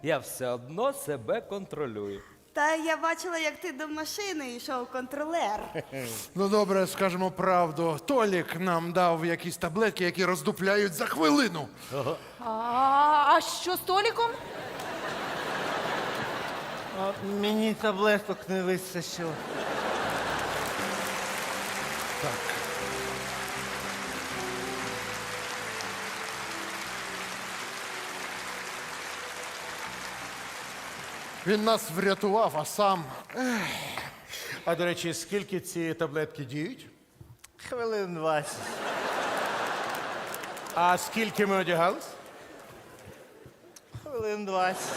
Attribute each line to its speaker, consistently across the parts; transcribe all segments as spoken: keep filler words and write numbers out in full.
Speaker 1: я все одно себе контролюю.
Speaker 2: Та я бачила, як ти до машини йшов контролер.
Speaker 3: Ну добре, скажемо правду. Толік нам дав якісь таблетки, які роздупляють за хвилину.
Speaker 4: А, а що з Толіком?
Speaker 5: А мені таблеток не вистачило.
Speaker 3: Він нас врятував, а сам.
Speaker 6: А до речі, скільки ці таблетки діють?
Speaker 5: Хвилин двадцять.
Speaker 6: А скільки ми одягались?
Speaker 5: Хвилин двадцять.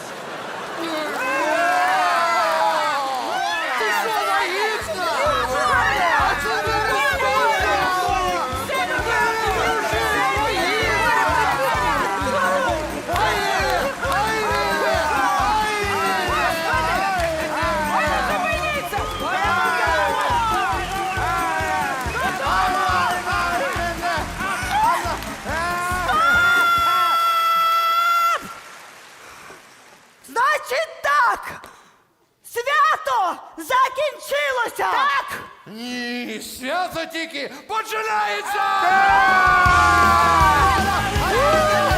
Speaker 2: Значить так! Свято закінчилося! Так!
Speaker 3: Ні, свято тільки починається!